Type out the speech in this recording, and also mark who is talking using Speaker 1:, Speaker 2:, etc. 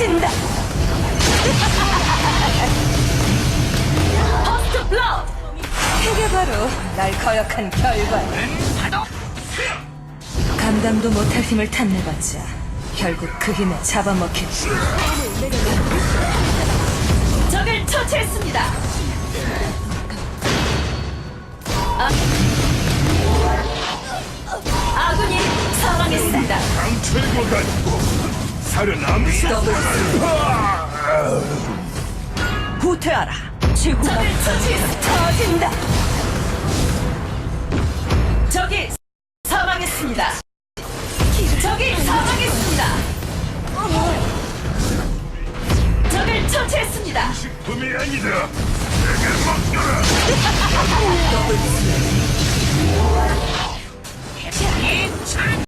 Speaker 1: 터진다. 퍼스트 블러. 이게 바로 날 거역한 결과야. 감당도 못할 힘을 탐내봤자 결국 그 힘에 잡아먹혔지. 적을 처치했습니다. 아군이 사망했습니다.
Speaker 2: 강철과 같고 살아남으시
Speaker 1: 후퇴하라. 지구가 적을 처치했습니다. 터진다. 적이 사망했습니다. 적이 사망했습니다. 적을 처치했습니다.
Speaker 2: 식품이 아니다. 내게 맡겨라.
Speaker 1: 더블